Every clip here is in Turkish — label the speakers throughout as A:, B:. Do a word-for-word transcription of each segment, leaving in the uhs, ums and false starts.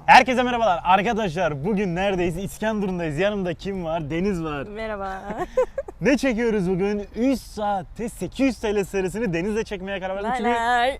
A: Herkese merhabalar arkadaşlar. Bugün neredeyiz? İskenderun'dayız. Yanımda kim var? Deniz var.
B: Merhaba.
A: Ne çekiyoruz bugün? üç saatte sekiz yüz T L serisini Deniz'le çekmeye karar verdim. Çünkü
B: Lay.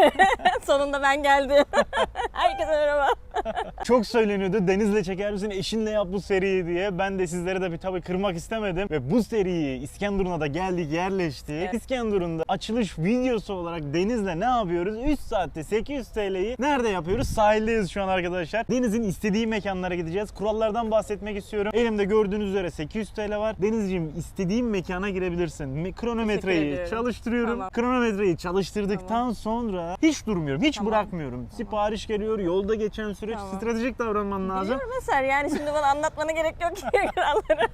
B: Sonunda ben geldim. Herkese merhaba.
A: çok söyleniyordu. Deniz'le çeker misin? Eşinle yap bu seriyi diye. Ben de sizlere de bir tabii kırmak istemedim. Ve bu seriyi İskenderun'a da geldik, yerleştik.
B: Evet.
A: İskenderun'da açılış videosu olarak Deniz'le ne yapıyoruz? üç saatte sekiz yüz T L'yi nerede yapıyoruz? Sahildeyiz şu an arkadaşlar. Deniz'in istediği mekanlara gideceğiz. Kurallardan bahsetmek istiyorum. Elimde gördüğünüz üzere sekiz yüz T L var. Denizciğim istediğin mekana girebilirsin. Me- Kronometreyi
B: ediyorum.
A: çalıştırıyorum.
B: Tamam.
A: Kronometreyi çalıştırdıktan
B: Tamam.
A: sonra hiç durmuyorum. Hiç
B: Tamam.
A: bırakmıyorum. Sipariş geliyor. Yolda geçen süreç.
B: Tamam.
A: Stratejik davranman lazım.
B: Biliyorum Eser, yani şimdi bana anlatmana gerek yok ki kuralları.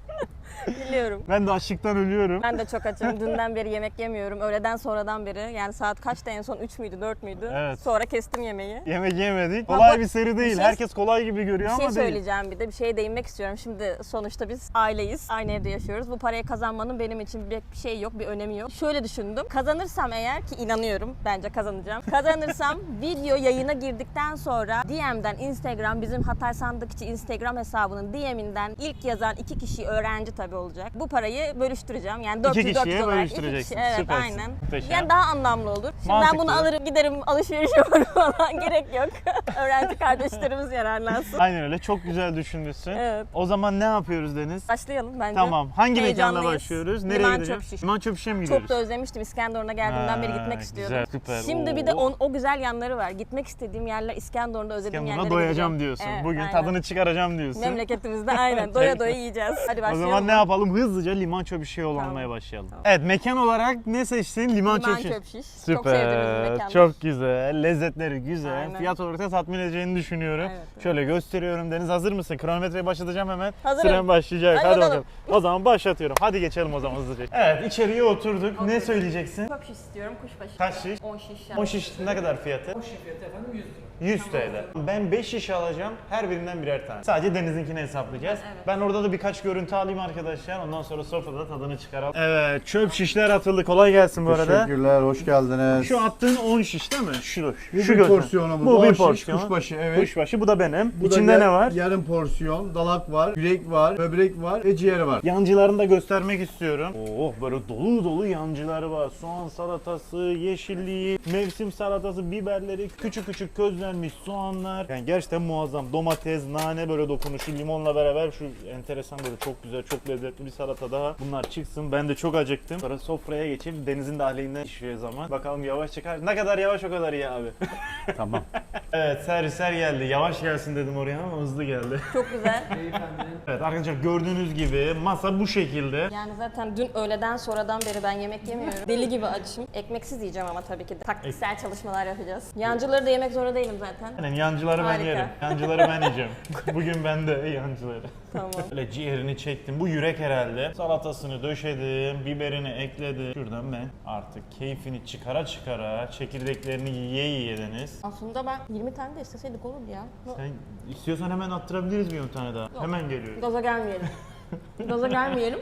B: Biliyorum.
A: Ben de açlıktan ölüyorum.
B: Ben de çok açım. Dünden beri yemek yemiyorum. Öğleden sonradan beri. Yani saat kaçta en son? üç müydü, dört müydü?
A: Evet.
B: Sonra kestim yemeği.
A: Yemek yemedik.
B: Ha,
A: Kolay
B: bak,
A: bir seri değil.
B: bir şey-
A: Herkes kolay gibi görüyor
B: Bir şey
A: ama değil.
B: söyleyeceğim bir de. Bir şeye değinmek istiyorum. Şimdi sonuçta biz aileyiz. Aynı evde yaşıyoruz. Bu parayı kazanmanın benim için bir şey yok, bir önemi yok. Şöyle düşündüm. Kazanırsam eğer, ki inanıyorum, bence kazanacağım. Kazanırsam video yayına girdikten sonra D M'den Instagram, bizim Hatay Sandıkçı Instagram hesabının D M'inden ilk yazan iki kişi öğrenci tabii olacak. Bu parayı bölüştüreceğim. Yani dört yüz
A: İki
B: dört
A: kişiye
B: yüz olarak.
A: bölüştüreceksin.
B: Evet,
A: Süpersin.
B: aynen.
A: Muhteşem.
B: Yani daha anlamlı olur. Şimdi
A: Mantıklı.
B: ben bunu alırım, giderim alışveriş yaparım falan. Gerek yok. Öğrenci kardeşlerimiz yararlansın.
A: Aynen öyle. Çok güzel düşünmüşsün.
B: Evet.
A: O zaman ne yapıyoruz Deniz?
B: Başlayalım bence.
A: Tamam. Hangi mekana
B: Heyecanlıyız.
A: başlıyoruz? Nereye
B: Liman
A: gideceğiz?
B: Çöp Şiş.
A: Liman Çöp Şiş'e mi gidiyoruz?
B: Çok da özlemiştim. İskenderun'a geldiğimden beri
A: Ha,
B: gitmek istiyordum.
A: güzel, süper.
B: Şimdi bir de
A: Oo.
B: o, o güzel yanları var. Gitmek istediğim yerler, İskenderun'da özlediğim
A: İskenderun'a
B: yerlere
A: doyacağım
B: gideceğim.
A: diyorsun.
B: Evet,
A: Bugün
B: aynen.
A: tadını çıkaracağım diyorsun.
B: Memleketimizde aynen. Doya doya yiyeceğiz. Hadi
A: O
B: başlayalım.
A: zaman ne yapalım? Hızlıca Liman Çöp Şiş'e yol
B: Tamam.
A: almaya başlayalım.
B: Tamam.
A: Evet, mekan olarak ne seçtin? Liman,
B: Liman
A: Çöp Şiş.
B: Çöp Şiş. Çok sevdiğimiz bir
A: Süper.
B: mekan.
A: Çok güzel. Lezzetleri güzel.
B: Aynen.
A: Fiyat olarak da tatmin edeceğini düşünüyorum.
B: Evet, evet.
A: Şöyle gösteriyorum. Deniz hazır mısın? Kronometreyi başlatacağım hemen.
B: Hazırım.
A: Süren başlayacak.
B: Hadi
A: Hadi,
B: bakalım.
A: bakalım. O zaman başlatıyorum. Hadi geçelim o zaman hızlıca. Evet, içeriye oturduk. Ne söyleyeceksin?
B: Çöp şiş istiyorum. Kuşbaşı.
A: Kaç şiş?
B: on şiş.
A: O şiş ne kadar fiyatı?
C: O şiş fiyatı efendim yüz lira.
A: yüz T L. Ben beş şiş alacağım. Her birinden birer tane. Sadece Deniz'inkini hesaplayacağız.
B: Evet.
A: Ben orada da birkaç görüntü alayım arkadaşlar. Ondan sonra sofrada tadını çıkaralım. Evet, çöp şişler atıldı. Kolay gelsin bu arada.
D: Teşekkürler, hoş geldiniz.
A: Şu attığın on şiş değil mi? Şu.
D: Bu
A: şu
D: bir
A: göster-
D: porsiyonumuz.
A: Bu
D: on
A: bir
D: şiş,
A: porsiyon.
D: Kuşbaşı, evet.
A: Kuşbaşı bu da benim.
D: Bu da
A: İçinde
D: yar-
A: ne var?
D: Yarım porsiyon, dalak var, yürek var, böbrek var ve ciğer var.
A: Yancılarını da göstermek istiyorum. Oh, böyle dolu dolu yancıları var. Soğan salatası, yeşilliği, mevsim salatası, biberleri, küçük küçük közlenmiş soğanlar. Yani gerçekten muazzam. Domates, nane böyle dokunuşu, limonla beraber şu enteresan böyle çok güzel, çok lezzetli bir salata daha. Bunlar çıksın. Ben de çok acıktım. Sonra sofraya geçelim. Denizin dahiliğinden pişiyor zaman. Bakalım yavaş çıkar. Ne kadar yavaş o kadar iyi abi.
D: Tamam.
A: Evet, servisler geldi. Yavaş gelsin dedim oraya ama hızlı geldi.
B: Çok güzel.
C: Beyefendinin
A: Evet arkadaşlar, gördüğünüz gibi masa bu şekilde.
B: Yani zaten dün öğleden sonradan beri ben yemek yemiyorum. Deli gibi açım. Ekmeksiz yiyeceğim ama tabii ki de. Taktiksel çalışmalar yapacağız. Yancıları da yemek zorunda değilim zaten.
A: Yani yancıları ben
B: Harika.
A: yerim. Yancıları ben yiyeceğim. Bugün ben de yancıları.
B: Tamam.
A: Böyle ciğerini çektim. Bu yürek herhalde. Salatasını döşedim. Biberini ekledim. Şuradan ben artık keyfini çıkara çıkara çekirdeklerini yiye yiye Deniz.
B: Aslında ben yirmi tane de isteseydik olurdu ya.
A: Sen istiyorsan hemen attırabiliriz bir on tane daha. Hemen geliyor.
B: Gaza gelmeyelim. Gaza gelmeyelim.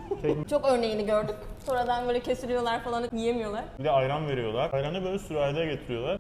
B: Çok örneğini gördük. Sonradan böyle kesiliyorlar falan, yiyemiyorlar.
A: Bir de ayran veriyorlar. Ayranı böyle sürahide getiriyorlar.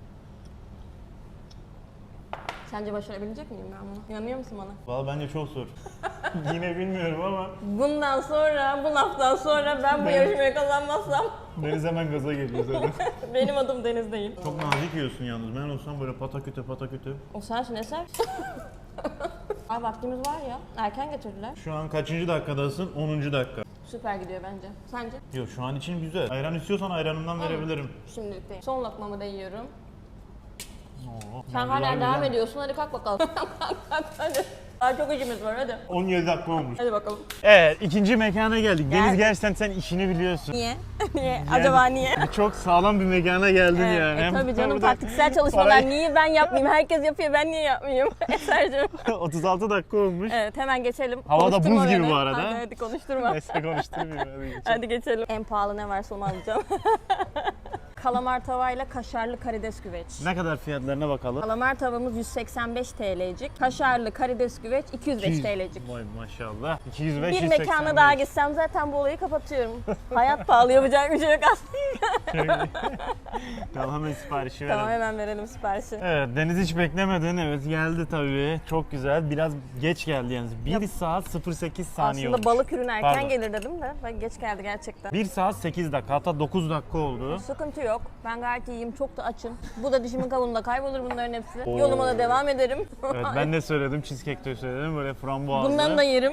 B: Sence başarabilecek miyim ben bunu? İnanıyor musun bana?
A: Valla bence çok zor. Yine bilmiyorum ama
B: Bundan sonra, bu laftan sonra ben bu
A: Ben-
B: yarışmayı kazanmazsam
A: Deniz hemen gaza geliyor zaten.
B: benim adım Deniz değil.
A: Çok nazik yiyorsun yalnız. Ben olsam böyle pataküte pataküte.
B: O sensin Eser. Ay vaktimiz var ya. Erken getirdiler.
A: Şu an kaçıncı dakikadasın? onuncu dakika.
B: Süper gidiyor bence. Sence?
A: Yok, şu an için güzel. Ayran istiyorsan ayranından verebilirim.
B: Şimdilik değil. Son lokmamı da yiyorum.
A: Oo,
B: Sen
A: yancılar
B: hala devam
A: güzel.
B: ediyorsun. Hadi kalk bakalım. kalk kalk hadi. Daha çok işimiz var hadi.
A: on yedi dakika olmuş.
B: Hadi bakalım.
A: Evet, ikinci mekana geldik.
B: Gel.
A: Deniz, gerçekten sen işini biliyorsun.
B: Niye? niye? Acaba niye?
A: Çok sağlam bir mekana geldin
B: Evet,
A: yani.
B: e,
A: Hem
B: tabii canım,
A: burada
B: taktiksel çalışmalar.
A: parayı-
B: Niye ben yapmayayım? Herkes yapıyor, ben niye yapmayayım? Eser'cim.
A: otuz altı dakika olmuş.
B: Evet, hemen geçelim.
A: Hava da
B: Konuşturma
A: buz gibi
B: beni.
A: bu arada.
B: Hadi, hadi konuşturma.
A: Neyse konuşturmayayım. Hadi geçelim.
B: Hadi geçelim. En pahalı ne varsa onu alacağım. Kalamar tavayla kaşarlı karides güveç.
A: Ne kadar fiyatlarına bakalım.
B: Kalamar tavamız yüz seksen beş T L'cik. Kaşarlı karides güveç iki yüz beş T L'cik.
A: Vay maşallah. iki yüz beş,
B: Bir
A: yüz
B: mekana
A: seksen beş.
B: daha gitsem zaten bu olayı kapatıyorum. Hayat pahalı, yapacak bir şey yok aslında.
A: Tamam hemen siparişi
B: Tamam,
A: verelim.
B: hemen verelim siparişi.
A: Evet, Deniz hiç beklemedin. Evet, geldi tabii. Çok güzel. Biraz geç geldi yalnız. bir saat sıfır sekiz saniye
B: Aslında
A: olmuş.
B: balık ürünü erken
A: Pardon.
B: gelir dedim de bak geç geldi gerçekten.
A: bir saat sekiz dakika, hatta dokuz dakika oldu.
B: Sıkıntı yok. Ben gayet iyiyim. Çok da açım. Bu da dişimin kabuğunda kaybolur bunların hepsi.
A: Oo.
B: Yoluma da devam ederim.
A: Evet, ben de söyledim. Cheesecake de söyledim. Böyle frambuazlı.
B: Bundan da yerim.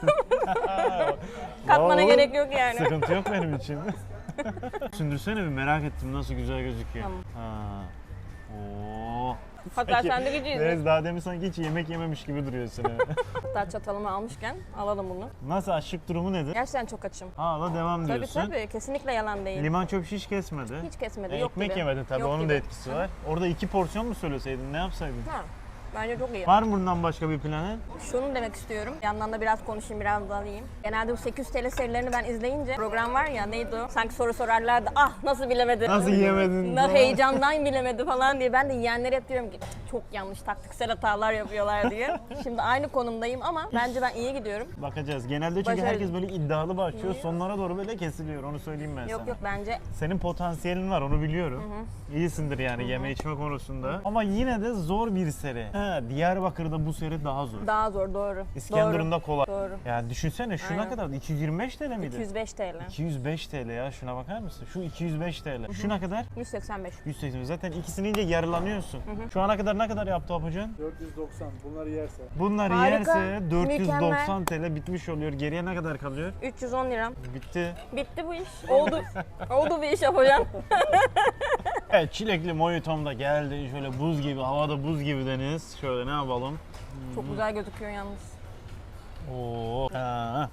B: Katmana
A: Oo,
B: gerek yok yani.
A: Sıkıntı yok benim için. Sündürsene bir, merak ettim nasıl güzel gözüküyor.
B: Tamam.
A: Ha. Oo.
B: Hatta sen de gideceğiz.
A: Evet, daha demin sanki hiç yemek yememiş gibi duruyorsun. ha.
B: Hatta çatalımı almışken alalım bunu.
A: Nasıl, açlık durumu nedir?
B: Gerçekten çok açım.
A: Hala devam
B: Tabii
A: diyorsun.
B: tabii. Kesinlikle yalan değil.
A: Liman çöp şiş kesmedi.
B: Hiç kesmedi.
A: E,
B: Yok
A: ekmek
B: gibi.
A: yemedin tabii,
B: Yok
A: onun
B: gibi.
A: da etkisi var. Orada iki porsiyon mu söyleseydin, ne yapsaydın?
B: Ha, bence çok iyi.
A: Var mı bundan başka bir planın?
B: Şunu demek istiyorum. Yandan da biraz konuşayım, biraz da alayım. Genelde bu sekiz yüz T L serilerini ben izleyince program var ya, neydi o? Sanki soru sorarlardı. Ah nasıl bilemedi?
A: Nasıl yiyemedin?
B: Na, heyecandan bilemedi falan diye. Ben de yiyenlere hep diyorum ki çok yanlış taktiksel hatalar yapıyorlar diye. Şimdi aynı konumdayım ama bence ben iyi gidiyorum.
A: Bakacağız. Genelde çünkü
B: Başarılı.
A: herkes böyle iddialı başlıyor. Sonlara doğru böyle kesiliyor. Onu söyleyeyim ben
B: Yok
A: sana.
B: yok bence
A: Senin potansiyelin var, onu biliyorum. İyisindir yani yeme içme konusunda. Ama yine de zor bir seri. Ha, Diyarbakır'da bu seri daha zor.
B: daha zor, doğru.
A: İskenderun'da kolay.
B: Doğru.
A: Yani düşünsene şuna
B: Aynen.
A: kadar iki yüz yirmi beş T L miydi?
B: iki yüz beş T L.
A: iki yüz beş T L ya, şuna bakar mısın? Şu iki yüz beş T L. Şuna kadar
B: yüz seksen beş.
A: yüz seksen. Zaten ikisini ince yarılanıyorsun. Şu ana kadar ne kadar yaptı Apucan?
C: dört yüz doksan bunları yerse.
A: Bunlar
B: Harika,
A: yerse dört yüz doksan
B: mükemmel.
A: T L bitmiş oluyor. Geriye ne kadar kalıyor?
B: üç yüz on lira.
A: Bitti.
B: Bitti bu iş. Oldu. Oldu bir iş yapacağım.
A: Evet, çilekli mojitom da geldi. Şöyle buz gibi, havada buz gibi Deniz. Şöyle ne yapalım?
B: Çok güzel gözüküyor yalnız.
A: Oo. Ha.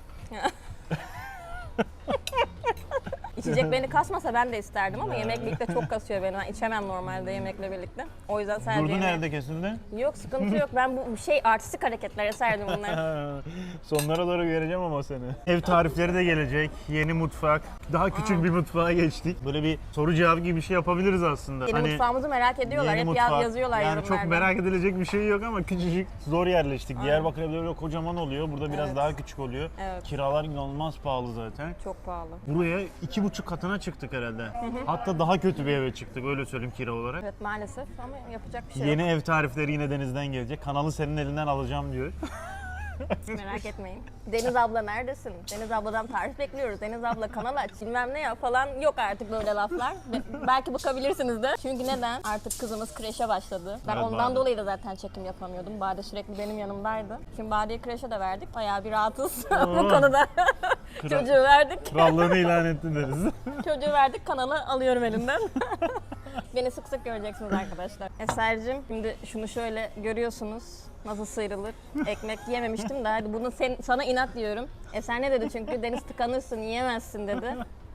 B: İçecek beni kasmasa ben de isterdim ama yemek birlikte çok kasıyor beni. Ben içemem normalde yemekle birlikte. O yüzden sadece
A: Durdu
B: yemeği-
A: nerede kesildi?
B: Yok, sıkıntı yok. Ben bu şey artistik hareketlere serdim bunları.
A: Sonlara doğru göreceğim ama seni. Ev tarifleri de gelecek. Yeni mutfak. Daha küçük bir mutfağa geçtik. Böyle bir soru cevap gibi bir şey yapabiliriz aslında.
B: Yeni mutfağımızı merak ediyorlar.
A: Yeni
B: Hep
A: mutfak.
B: yaz- yazıyorlar
A: Yani
B: yorumlarda.
A: çok merak edilecek bir şey yok ama küçücük, zor yerleştik. Diyarbakır'da böyle kocaman oluyor. Burada biraz
B: Evet.
A: daha küçük oluyor.
B: Evet.
A: Kiralar inanılmaz pahalı zaten.
B: Çok pahalı.
A: Buraya iki buçuk katına çıktık herhalde. Hatta daha kötü bir eve çıktık, öyle söyleyeyim, kira olarak.
B: Evet maalesef ama yapacak bir şey
A: Yeni ev tarifleri yine Deniz'den gelecek. Kanalı senin elinden alacağım diyor.
B: yok. Merak etmeyin. Deniz abla neredesin? Deniz abladan tarif bekliyoruz. Deniz abla kanal aç bilmem ne ya falan, yok artık böyle laflar. Be- belki bakabilirsiniz de. Çünkü neden? Artık kızımız kreşe başladı. Ben
A: Evet,
B: ondan
A: Bade.
B: dolayı da zaten çekim yapamıyordum. Bade sürekli benim yanımdaydı. Şimdi Bade'yi kreşe de verdik. Bayağı bir rahatız bu
A: Oo.
B: konuda. Çocuğu verdik.
A: Krallığını ilan ettin Deniz.
B: Çocuğu verdik, kanalı alıyorum elinden. Beni sık sık göreceksiniz arkadaşlar. Eser'cim, şimdi şunu şöyle görüyorsunuz. Nasıl sıyrılır? Ekmek yememiştim de hadi bunu sen, sana inat diyorum. Eser ne dedi çünkü? Deniz tıkanırsın, yiyemezsin dedi.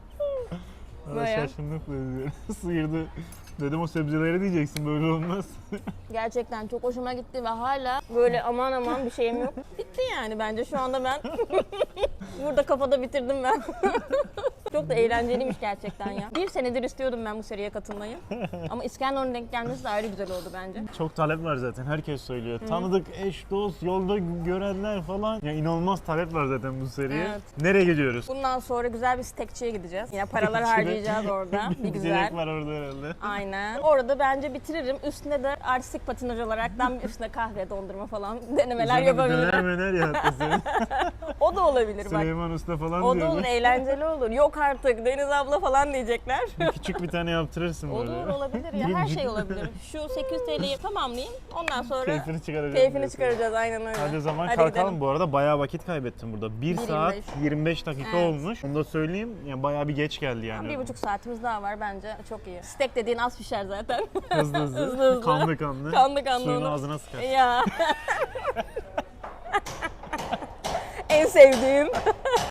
A: Valla
B: Böyle.
A: şaşırdık dedi. Sıyırdı. Dedim o sebzeleri diyeceksin, böyle olmaz.
B: Gerçekten çok hoşuma gitti ve hala böyle aman aman bir şeyim yok. Bitti yani bence şu anda ben. Burada kafada bitirdim ben. Çok da eğlenceliymiş gerçekten ya. Bir senedir istiyordum ben bu seriye katılmayı. Ama İskenderun'un denk gelmesi de ayrı güzel oldu bence.
A: Çok talep var zaten, herkes söylüyor. Tanıdık eş, dost, yolda görenler falan. Ya inanılmaz talep var zaten bu seriye.
B: Evet.
A: Nereye gidiyoruz?
B: Bundan sonra güzel bir steakçiye gideceğiz. Yine paralar
A: Steakçide
B: harcayacağız orada. Bir güzel.
A: Güzellik var orada herhalde.
B: Aynen. Orada bence bitiririm. Üstüne de artistik patinaj olaraktan bir üstüne kahve, dondurma falan denemeler
A: Üzerine bir Döner
B: yapabilirim.
A: möner ya hatta senin.
B: O da olabilir bak.
A: Süleyman Usta falan
B: O da
A: diyor.
B: olur, eğlenceli olur. Yok artık Deniz abla falan diyecekler.
A: Küçük bir tane yaptırırsın böyle.
B: Olur, olabilir ya. Her şey olabilir. Şu sekiz yüz T L'yi tamamlayayım. Ondan sonra
A: Keyfini çıkaracağız.
B: keyfini
A: diyorsun.
B: çıkaracağız. Aynen öyle.
A: Hadi o zaman
B: Hadi
A: kalkalım.
B: gidelim.
A: Bu arada bayağı vakit kaybettim burada. bir saat
B: yirmi beş.
A: yirmi beş dakika
B: Evet.
A: olmuş. Onu da söyleyeyim. Yani bayağı bir geç geldi yani.
B: Bir buçuk saatimiz daha var bence. Çok iyi. Steak dediğin az pişer zaten.
A: Hızlı hızlı.
B: Hızlı hızlı.
A: Kanlı kanlı.
B: Kanlı kanlı
A: Suyunu
B: onu.
A: ağzına sıkar.
B: Ya. En sevdiğim.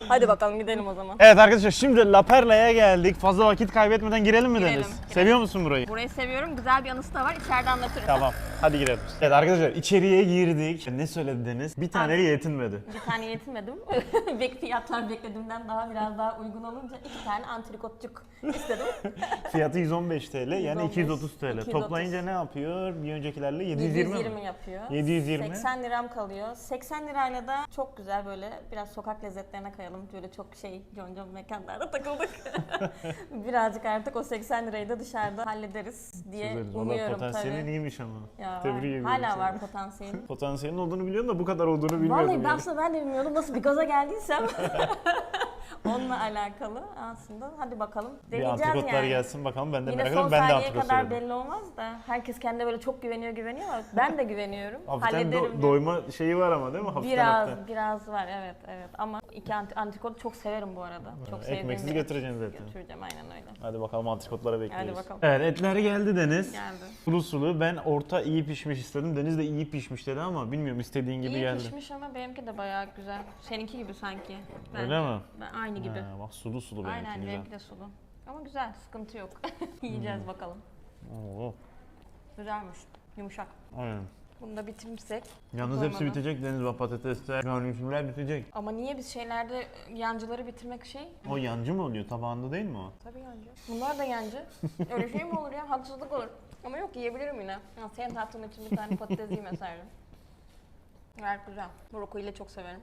B: Hadi bakalım gidelim o zaman.
A: Evet arkadaşlar şimdi La Perla'ya geldik. Fazla vakit kaybetmeden girelim mi
B: Girelim,
A: Deniz?
B: girelim.
A: Seviyor musun burayı?
B: Burayı seviyorum. Güzel bir anısı da var. İçeride anlatırım.
A: Tamam. Hadi girelim. Evet arkadaşlar içeriye girdik. Ne söyledi Deniz? Bir taneyle yetinmedi.
B: Bir tane yetinmedim. Bek fiyatlar beklediğimden daha biraz daha uygun olunca iki tane antrikotçuk istedim.
A: Fiyatı yüz on beş TL yani
B: yüz on beş,
A: iki yüz otuz TL.
B: iki yüz otuz.
A: Toplayınca ne yapıyor? Bir öncekilerle yedi yüz yirmi,
B: yedi yüz yirmi
A: mi?
B: yapıyor.
A: yedi yüz yirmi.
B: seksen liram kalıyor. seksen lirayla da çok güzel böyle biraz sokak lezzetlerine kayalım. Böyle çok şey concon mekanlarda takıldık. Birazcık artık o seksen lirayı da dışarıda hallederiz diye
A: Çözeriz. Valla
B: umuyorum
A: potansiyelin
B: tabii.
A: iyiymiş ama.
B: Ya
A: Tebrik
B: var.
A: ediyorum
B: Hala
A: seni.
B: var potansiyelin.
A: Potansiyelin olduğunu biliyorum da bu kadar olduğunu bilmiyordum.
B: Vallahi ben
A: yani.
B: aslında ben de bilmiyordum nasıl bir gaza geldiysem. Onunla alakalı aslında. Hadi bakalım.
A: Bir
B: Deneyeceğiz
A: antrikotlar
B: yani.
A: gelsin bakalım ben de
B: Yine
A: merak
B: son
A: ediyorum. Ben de
B: saniyeye
A: antrikot
B: kadar
A: söyledim.
B: belli olmaz da herkes kendine böyle çok güveniyor güveniyor ama ben de güveniyorum.
A: Hafiften
B: Hallederim.
A: do-
B: diye.
A: doyma şeyi var ama değil mi? Hafiften
B: Biraz
A: hafiften.
B: biraz var evet evet ama iki anti antrikot çok severim bu arada. Çok sevdiğim
A: Ekmeksiz
B: bir et.
A: götüreceksin zaten.
B: Götüreceğim aynen öyle.
A: Hadi bakalım antrikotlara bekliyoruz.
B: Hadi bakalım.
A: Evet etler geldi Deniz.
B: Geldi.
A: Sulu sulu. Ben orta iyi pişmiş istedim. Deniz de iyi pişmiş dedi ama bilmiyorum istediğin gibi
B: İyi
A: geldi.
B: pişmiş ama benimki de bayağı güzel. Seninki gibi sanki.
A: Öyle mi?
B: Ben aynı gibi.
A: Ha, bak sulu sulu benimki
B: Aynen
A: güzel.
B: benimki de sulu. Ama güzel sıkıntı yok. Yiyeceğiz bakalım.
A: Oo,
B: Güzelmiş. Yumuşak.
A: aynen.
B: Bunu da bitirirsek.
A: Yalnız
B: çok
A: hepsi
B: olmadı.
A: bitecek Deniz bak patatesler, garnitürler bitecek.
B: Ama niye biz şeylerde yancıları bitirmek şey?
A: O yancı mı oluyor? Tabağında değil mi o?
B: Tabii yancı. Bunlar da yancı. Öyle şey mi olur ya? Haksızlık olur. Ama yok yiyebilirim yine. Ya senin tatlın için bir tane patates yiyeyim eserdim. Gayet güzel. Brokoliyle çok severim.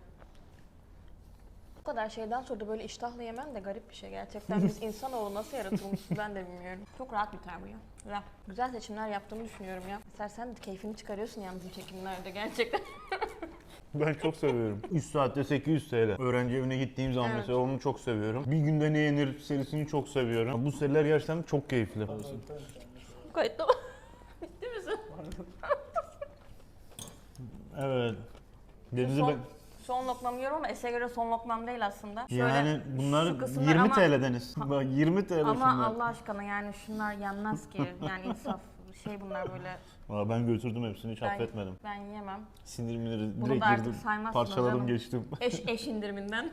B: Bu kadar şeyden sonra da böyle iştahla yemen de garip bir şey gerçekten. Biz insanoğlu nasıl yaratılmışız ben de bilmiyorum. Çok rahat biter bu ya. Güzel. Güzel seçimler yaptığımı düşünüyorum ya. Mesela sen de keyfini çıkarıyorsun yalnız bu çekimlerde gerçekten.
A: Ben çok seviyorum. üç saatte sekiz yüz TL. Öğrenci evine gittiğim zaman
B: Evet.
A: mesela onu çok seviyorum. Bir günde ne yenir serisini çok seviyorum. Bu seriler gerçekten çok keyifli.
B: Kayıtlı mı? Bitti misin?
A: Evet. Deniz'i
B: Son,
A: ben...
B: son lokmamı yiyorum ama Es'e göre son lokmam değil aslında. Şöyle
A: Yani bunlar
B: şu kısımlar
A: yirmi
B: ama-
A: TL Deniz. Bak yirmi TL
B: Ama
A: şunlar.
B: Allah aşkına yani şunlar yenmez ki. Yani insaf şey bunlar böyle
A: Valla ben götürdüm hepsini hiç
B: ben,
A: affetmedim.
B: ben yiyemem.
A: Sinirimi
B: Bunu
A: direkt
B: da artık
A: girdim.
B: saymazsın
A: Parçaladım
B: canım.
A: geçtim.
B: Eş, eş indiriminden.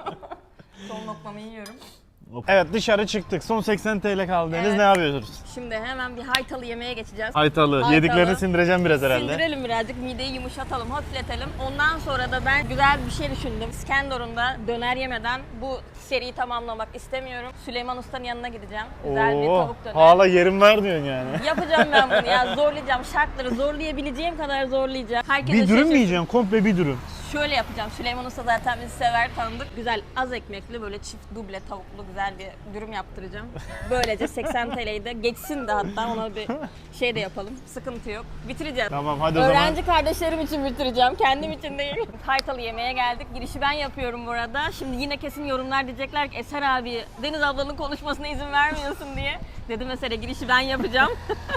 B: Son lokmamı yiyorum.
A: Evet dışarı çıktık. Son seksen TL kaldı Deniz.
B: Evet.
A: Ne yapıyoruz?
B: Şimdi hemen bir haytalı yemeğe geçeceğiz.
A: Haytalı.
B: Haytalı.
A: Yediklerini sindireceğim biraz herhalde.
B: Sindirelim birazcık, mideyi yumuşatalım, hafifletelim. Ondan sonra da ben güzel bir şey düşündüm. İskenderun'da döner yemeden bu seriyi tamamlamak istemiyorum. Süleyman Usta'nın yanına gideceğim. Güzel bir
A: Oo,
B: tavuk döner.
A: hala yerim var diyorsun yani.
B: Yapacağım ben bunu ya. Zorlayacağım. Şartları zorlayabileceğim kadar zorlayacağım. Herkes
A: Bir dürüm mü yiyeceksin? Komple bir dürüm.
B: Şöyle yapacağım. Süleyman Usta zaten bizi sever, tanıdık. Güzel az ekmekli böyle çift duble tavuklu güzel bir dürüm yaptıracağım. Böylece seksen T L'yi de geçsin de hatta ona bir şey de yapalım. Sıkıntı yok. Bitireceğim.
A: Tamam hadi o
B: Öğrenci
A: zaman.
B: kardeşlerim için bitireceğim. Kendim için değil. Haytalı yemeğe geldik. Girişi ben yapıyorum bu arada. Şimdi yine kesin yorumlar diyecekler ki Eser abi Deniz ablanın konuşmasına izin vermiyorsun diye. Dedim mesela girişi ben yapacağım.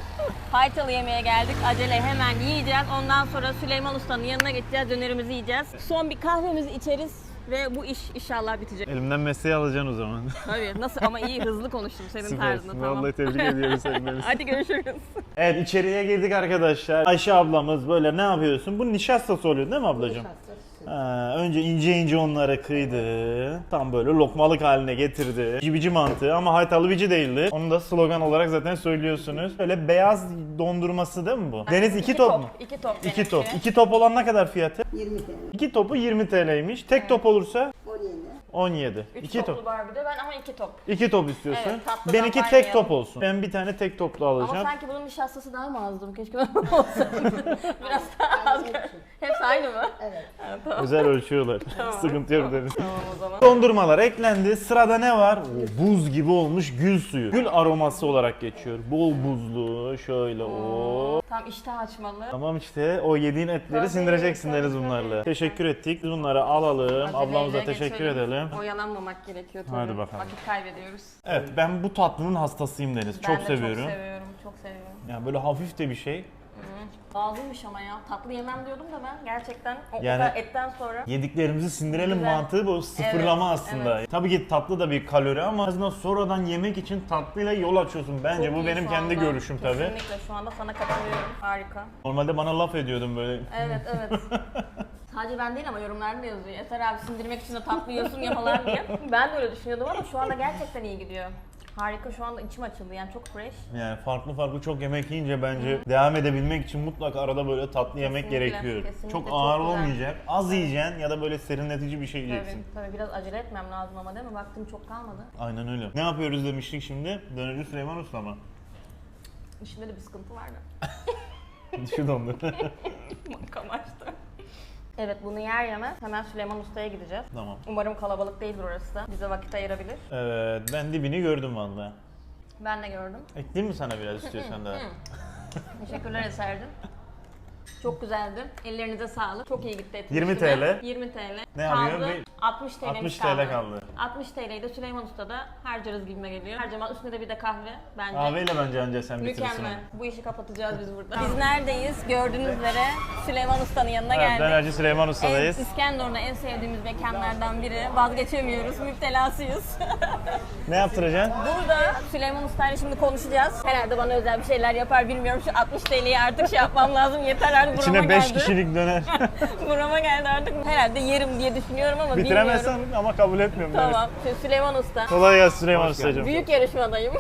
B: Haytalı yemeğe geldik. Acele hemen yiyeceğiz. Ondan sonra Süleyman Usta'nın yanına geçeceğiz. Dönerimizi yiyeceğiz. Son bir kahvemizi içeriz ve bu iş inşallah bitecek.
A: Elimden mesleği alacaksın o zaman.
B: Tabii nasıl ama iyi hızlı konuştum senin tarzında
A: Süpersin.
B: tamam.
A: Vallahi tebrik ediyorum seni Deniz.
B: Hadi görüşürüz.
A: Evet içeriye girdik arkadaşlar. Ayşe ablamız böyle ne yapıyorsun? Bu nişastası oluyor değil mi ablacığım? Ha, önce ince ince onları kıydı. Tam böyle lokmalık haline getirdi. Cibici mantığı ama haytalı bici değildi. Onu da slogan olarak zaten söylüyorsunuz. Böyle beyaz dondurması değil mi bu? Deniz iki top mu?
B: İki top.
A: İki
B: benimki.
A: top. İki top olan ne kadar fiyatı?
E: yirmi TL.
A: İki topu yirmi T L'ymiş. Tek top olursa
E: on yedi.
A: on yedi.
B: Üç
A: İki
B: toplu
A: top.
B: barbide ben ama iki top.
A: İki top istiyorsun.
B: Evet, tatlıdan
A: Benimki tek
B: baymayalım.
A: top olsun. Ben bir tane tek toplu
B: Ama
A: alacağım.
B: sanki bunun nişastası daha mı azdı? Keşke ben olsaydı. Biraz daha az. Hepsi aynı mı?
E: Evet.
B: Ha, tamam.
A: Özel ölçüyorlar. Sıkıntı yok dedim.
B: Tamam o zaman.
A: Dondurmalar eklendi. Sırada ne var? Oo, buz gibi olmuş gül suyu. Gül aroması olarak geçiyor. Bol buzlu. Şöyle o.
B: Tam iştah açmalı.
A: Tamam işte o yediğin etleri
B: Tabii,
A: sindireceksin
B: tabii,
A: Deniz
B: tabii.
A: bunlarla. Teşekkür ettik. Biz bunları alalım.
B: Aceleyle
A: Ablamıza teşekkür
B: geçelim.
A: edelim.
B: Oyalanmamak gerekiyor tabii.
A: Hadi bakalım.
B: Vakit kaybediyoruz.
A: Evet ben bu tatlının hastasıyım Deniz.
B: Ben
A: çok
B: de
A: seviyorum.
B: çok seviyorum. Çok seviyorum.
A: Yani böyle hafif de bir şey.
B: Pahalıymış ama ya. Tatlı yemem diyordum da ben gerçekten o
A: Yani-
B: kadar etten sonra.
A: Yediklerimizi sindirelim
B: Güzel.
A: mantığı bu sıfırlama
B: Evet,
A: aslında.
B: evet.
A: Tabii ki tatlı da bir kalori ama en azından sonradan yemek için tatlıyla yol açıyorsun. Bence
B: Çok
A: bu
B: iyi
A: benim
B: şu
A: kendi
B: anda.
A: görüşüm tabii.
B: Kesinlikle şu anda sana katılıyorum. Harika.
A: Normalde bana laf ediyordun böyle.
B: Evet evet. Sadece ben değil ama yorumlarda da yazıyor. Eser abi sindirmek için de tatlı yiyorsun ya falan diye. Ben de öyle düşünüyordum ama şu anda gerçekten iyi gidiyor. Harika, şu anda içim açıldı yani, çok fresh.
A: Yani farklı farklı çok yemek yiyince bence Hı. devam edebilmek için mutlaka arada böyle tatlı yemek
B: Kesinlikle,
A: gerekiyor.
B: kesinlikle,
A: çok
B: çok
A: ağır
B: güzel.
A: olmayacak. Az yiyeceksin ya da böyle serinletici bir şey yiyeceksin.
B: Tabii, tabii biraz acele etmem lazım ama değil mi? Vaktim çok kalmadı.
A: Aynen öyle. Ne yapıyoruz demiştik şimdi? Dönerci Süleyman Usta mı?
B: İşimde de bir sıkıntı vardı.
A: Şu dondu.
B: Kamaştı. Evet, bunu yer yemez hemen Süleyman Usta'ya gideceğiz.
A: Tamam.
B: Umarım kalabalık değildir orası da. Bize vakit ayırabilir.
A: Evet, ben dibini gördüm valla.
B: Ben de gördüm.
A: Ekleyeyim mi sana biraz istiyorsan da?
B: Teşekkürler Eser'cim. Çok güzeldi. Ellerinize sağlık. Çok iyi gitti etin
A: yirmi
B: üstüne.
A: T L.
B: yirmi T L.
A: Ne
B: kaldı.
A: alıyor? Bir-
B: altmış T L'miz
A: altmış
B: kaldı.
A: T L kaldı.
B: altmış T L'yi de Süleyman Usta'da harcarız gibime geliyor. Harcama üstüne de bir de kahve bence.
A: Kahveyle bence anca sen bitirirsin.
B: Mükemmel. Bu işi kapatacağız biz burada. Biz neredeyiz? Gördüğünüz üzere Süleyman Usta'nın yanına
A: Evet,
B: geldik.
A: Dönerci Süleyman Usta'dayız.
B: Evet, İskenderun'da en sevdiğimiz mekanlardan biri. Vazgeçemiyoruz, müptelasıyız.
A: Ne yaptıracaksın?
B: Burada Süleyman Usta'yla şimdi konuşacağız. Herhalde bana özel bir şeyler yapar bilmiyorum. Şu altmış T L'yi artık şey yapmam lazım. Yeter artık, burama
A: İçine beş
B: geldi.
A: kişilik döner.
B: Burama geldi artık. Herhalde yerim diye düşünüyorum ama
A: Bitiremezsen
B: bilmiyorum.
A: ama kabul etmiyorum.
B: Tamam. Şimdi Süleyman Usta.
A: Kolay gelsin Süleyman Usta'cığım.
B: Büyük yarışmadayım.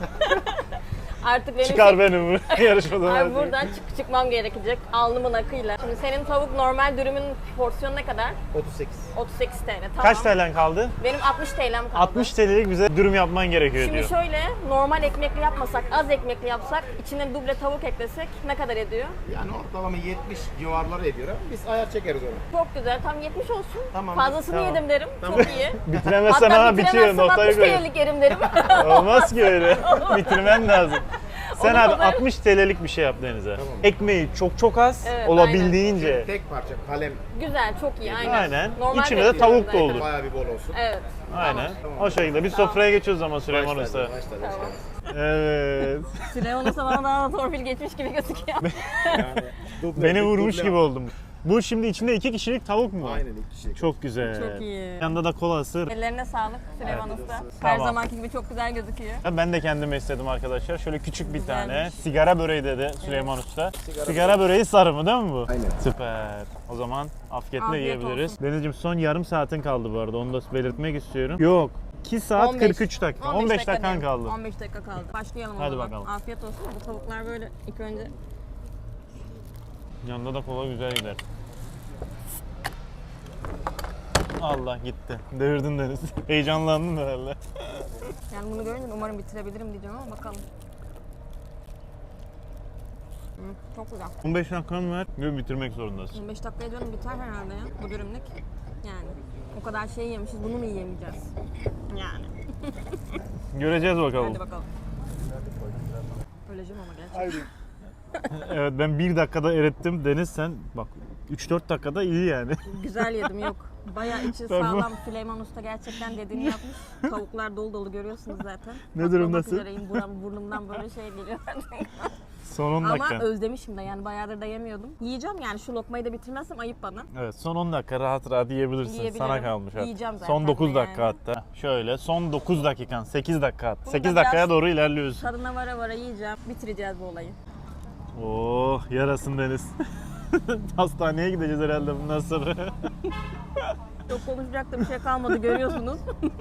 B: Artık benim
A: Çıkar
B: şey-
A: beni bu yarışmadan.
B: Abi buradan çık çıkmam gerekecek alnımın akıyla. Şimdi senin tavuk normal dürümün porsiyonu ne kadar?
D: otuz sekiz.
B: otuz sekiz T L. Tamam.
A: Kaç T L'en kaldı?
B: Benim altmış T L'm kaldı.
A: altmış T L'lik bize dürüm yapman gerekiyor
B: Şimdi
A: diyor.
B: şöyle, normal ekmekli yapmasak, az ekmekli yapsak, içine duble tavuk eklesek ne kadar ediyor?
D: Yani ortalama yetmiş civarları ediyor ama biz ayar çekeriz onu.
B: Çok güzel, tam yetmiş olsun.
D: Tamam.
B: Fazlasını
A: Tamam.
B: yedim derim, çok iyi.
A: Bitiremezsen
B: Hatta
A: ama bitiyor,
B: bitiremezsem
A: noktayı
B: altmış
A: koy.
B: T L'lik yerim derim.
A: Olmaz ki öyle. Bitirmen lazım. Sen
B: Onu
A: abi
B: pazar-
A: altmış T L'lik bir şey yap Deniz'e. Ekmeği çok çok az,
B: Evet,
A: olabildiğince.
D: Tek parça kalem
B: Güzel, çok iyi, aynen.
A: Aynen.
B: Normal
A: İçine de
B: bekliyorum
A: tavuk da
B: zaten.
A: olur.
D: bayağı bir bol olsun.
B: Evet.
A: Aynen.
D: Tamam.
A: O şekilde. Biz sofraya geçiyoruz ama Süleyman Usta.
D: Başladı, başladı,
B: Tamam.
D: başladı.
A: Evet.
B: Süleyman Usta bana daha da torpil geçmiş gibi gözüküyor.
D: Yani duble-
A: Beni vurmuş
D: duble-
A: gibi oldum. Bu şimdi içinde iki kişilik tavuk mu?
D: Aynen iki kişilik.
A: Çok güzel.
B: Çok iyi.
A: Yanında da kolası.
B: Ellerine sağlık Süleyman Usta. Her
A: Tamam.
B: zamanki gibi çok güzel gözüküyor.
A: Ben de kendime istedim arkadaşlar. Şöyle küçük bir
B: Güzelmiş.
A: tane sigara böreği dedi Süleyman Usta. Sigara, böreği sarı mı değil mi bu?
D: Aynen.
A: Süper. O zaman afiyetle
B: Afiyet
A: yiyebiliriz.
B: olsun.
A: Denizciğim son yarım saatin kaldı bu arada. Onu da belirtmek istiyorum. Yok. iki saat
B: on beş
A: kırk üç dakika. on beş dakikan
B: diyeyim.
A: kaldı.
B: on beş dakika kaldı. Başlayalım o
A: Hadi
B: zaman.
A: bakalım.
B: Afiyet olsun. Bu tavuklar böyle ilk önce
A: Yanında da kola güzel gider. Allah gitti. Devirdin Deniz. Heyecanlandın herhalde.
B: yani bunu görünce umarım bitirebilirim diyeceğim ama bakalım. Hı, çok güzel.
A: on beş dakikan var ve bitirmek zorundasın.
B: on beş dakikaya canım biter herhalde ya bu dürümlük. Yani o kadar şey yemişiz, bunu mu yiyemeyeceğiz? Yani.
A: Göreceğiz bakalım.
B: Hadi bakalım. Öleceğim ama gerçekten.
A: Evet ben bir dakikada erittim. Deniz sen bak üç dört dakikada iyi yani.
B: Güzel yedim, yok. Bayağı içi
A: Ben bu-
B: sağlam. Süleyman Usta gerçekten dediğini yapmış. Tavuklar dolu dolu görüyorsunuz zaten.
A: Ne
B: Patlamak
A: durumdasın?
B: üzereyim. Buram, burnumdan böyle şey geliyor.
A: Son on
B: Ama
A: dakika.
B: özlemişim de yani bayağıdır da yemiyordum. Yiyeceğim yani, şu lokmayı da bitirmezsem ayıp bana.
A: Evet son on dakika rahat rahat yiyebilirsin.
B: Yiyebilirim.
A: Sana kalmış. Evet.
B: Yiyeceğim zaten
A: Son dokuz
B: de
A: dakika
B: yani.
A: hatta. Şöyle son dokuz dakikan. sekiz dakika at.
B: Bunu da
A: sekiz dakikaya
B: biraz-
A: doğru ilerliyoruz.
B: Tadına vara vara yiyeceğim. Bitireceğiz bu olayı.
A: Oh yarasın Deniz. Hastaneye gideceğiz herhalde bundan sonra.
B: Çok konuşacak da bir şey kalmadı, görüyorsunuz.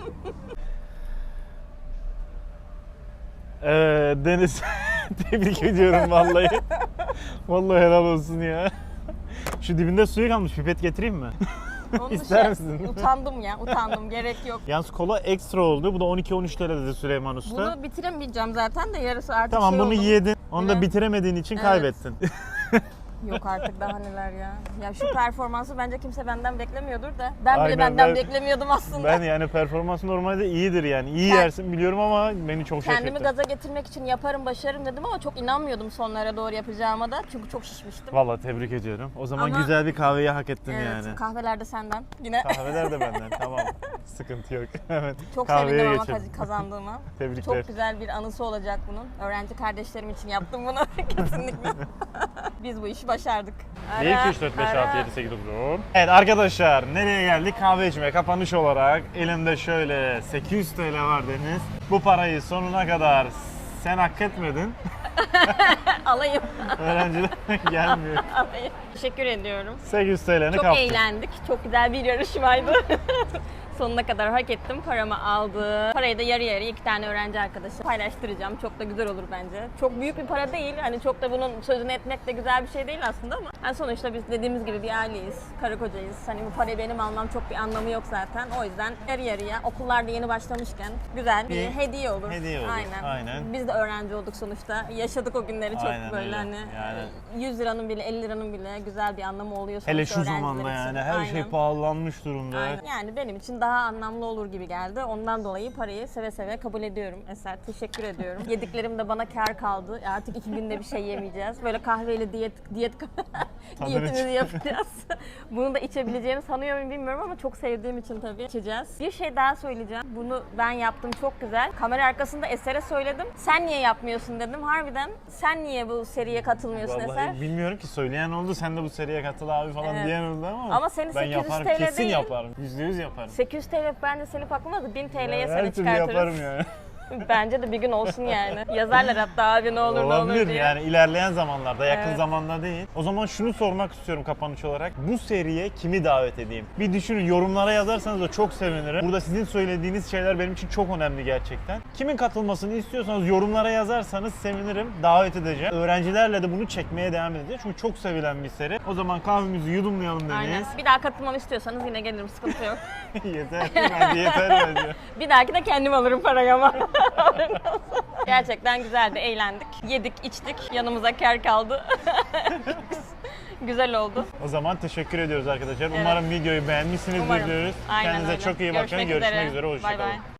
A: Evet Deniz. Tebrik ediyorum vallahi. Vallahi helal olsun ya. Şu dibinde suyu kalmış. Pipet getireyim mi?
B: Onun
A: İster
B: dışı-
A: misin?
B: Utandım ya, utandım. Gerek yok.
A: Yalnız kola ekstra oldu. Bu da on iki on üç T L dedi Süleyman Usta.
B: Bunu bitiremeyeceğim zaten de yarısı artık
A: Tamam
B: şey
A: bunu
B: oldum.
A: yedin. Onu da
B: Evet.
A: bitiremediğin için
B: Evet.
A: kaybettin.
B: Yok artık, daha neler ya. Ya şu performansı bence kimse benden beklemiyordur da. Ben bile
A: Aynen,
B: benden
A: ben-
B: beklemiyordum aslında.
A: Ben yani performans normalde iyidir yani. İyi
B: Kend-
A: yersin biliyorum ama beni çok şaşırttı.
B: Kendimi gaza getirmek için yaparım, başarırım dedim ama çok inanmıyordum sonlara doğru yapacağıma da. Çünkü çok şişmiştim.
A: Vallahi tebrik ediyorum. O zaman
B: Ama-
A: güzel bir kahveyi hak ettin
B: Evet,
A: yani.
B: kahveler de senden. Yine
A: Kahveler de benden tamam. Sıkıntı yok. Evet.
B: çok
A: kahveye
B: sevindim ama
A: geçelim.
B: kaz- kazandığıma.
A: Tebrikler.
B: Çok güzel bir anısı olacak bunun. Öğrenci kardeşlerim için yaptım bunu kesinlikle. Biz bu işi başardık.
A: bir, iki, üç, dört, beş, altı, yedi, sekiz, dokuz, on. Evet arkadaşlar nereye geldik? Kahve içmeye kapanış olarak elimde şöyle sekiz yüz T L var Deniz. Bu parayı sonuna kadar sen hak etmedin.
B: Alayım.
A: Öğrenciler gelmiyor.
B: Alayım. Teşekkür ediyorum.
A: sekiz yüz T L'ni
B: Çok
A: kaptım.
B: eğlendik. Çok güzel bir yarışmaydı. Sonuna kadar hak ettim. Paramı aldı. Parayı da yarı yarıya iki tane öğrenci arkadaşım paylaştıracağım. Çok da güzel olur bence. Çok büyük bir para değil. Hani çok da bunun sözünü etmek de güzel bir şey değil aslında ama yani sonuçta biz dediğimiz gibi bir aileyiz. Karı kocayız. Hani bu parayı benim almam çok bir anlamı yok zaten. O yüzden yarı yarıya okullarda yeni başlamışken güzel bir
A: Bir
B: hediye olur.
A: hediye olur.
B: Aynen.
A: Aynen.
B: Biz de öğrenci olduk sonuçta. Yaşadık o günleri çok
A: Aynen
B: böyle
A: öyle.
B: hani
A: Yani-
B: yüz liranın bile elli liranın bile güzel bir anlamı oluyor sonuçta
A: Hele şu
B: öğrenciler
A: zamanda
B: için.
A: yani her şey
B: Aynen.
A: pahalanmış durumda.
B: Aynen. Yani benim için daha anlamlı olur gibi geldi. Ondan dolayı parayı seve seve kabul ediyorum. Eser teşekkür ediyorum. Yediklerim de bana kar kaldı. Artık iki günde bir şey yemeyeceğiz. Böyle kahveyle diyet diyet diyetimizi yapacağız. Bunu da içebileceğimi sanıyor muyum bilmiyorum ama çok sevdiğim için tabii içeceğiz. Bir şey daha söyleyeceğim. Bunu ben yaptım çok güzel. Kamera arkasında Eser'e söyledim. Sen niye yapmıyorsun dedim. Harbiden sen niye bu seriye katılmıyorsun Eser?
A: Vallahi bilmiyorum ki, söyleyen oldu, sen de bu seriye katıl abi falan
B: Evet.
A: diyen oldu ama,
B: Ama seni
A: ben
B: sekiz yüz
A: yaparım,
B: T L
A: kesin
B: değil.
A: yaparım, yüzde yüz yaparım.
B: sekiz yüz T L bence seni paklamadı. bin T L'ye
A: Ya
B: seni
A: her türlü yaparım
B: çıkartırız.
A: yani.
B: Bence de bir gün olsun yani. Yazarlar hatta abi ne olur ne olur
A: Olabilir
B: diye.
A: yani ilerleyen zamanlarda, yakın
B: Evet.
A: zamanda değil. O zaman şunu sormak istiyorum kapanış olarak. Bu seriye kimi davet edeyim? Bir düşünün, yorumlara yazarsanız da çok sevinirim. Burada sizin söylediğiniz şeyler benim için çok önemli gerçekten. Kimin katılmasını istiyorsanız yorumlara yazarsanız sevinirim. Davet edeceğim. Öğrencilerle de bunu çekmeye devam edeceğiz. Çünkü çok sevilen bir seri. O zaman kahvemizi yudumlayalım demeyiz.
B: Aynen. Bir daha katılmamı istiyorsanız yine gelirim, sıkıntı yok.
A: Yeter. Bence yeter bence.
B: Bir dahaki de kendim alırım parayı ama. Gerçekten güzeldi, eğlendik. Yedik, içtik, yanımıza kar kaldı. Güzel oldu.
A: O zaman teşekkür ediyoruz arkadaşlar.
B: Evet.
A: Umarım videoyu beğenmişsinizdir
B: Umarım.
A: diyoruz.
B: Aynen
A: Kendinize
B: öyle.
A: çok iyi bakın.
B: Görüşmek
A: Görüşmek
B: üzere.
A: üzere.
B: Bay
A: Hoşçakalın.
B: bay.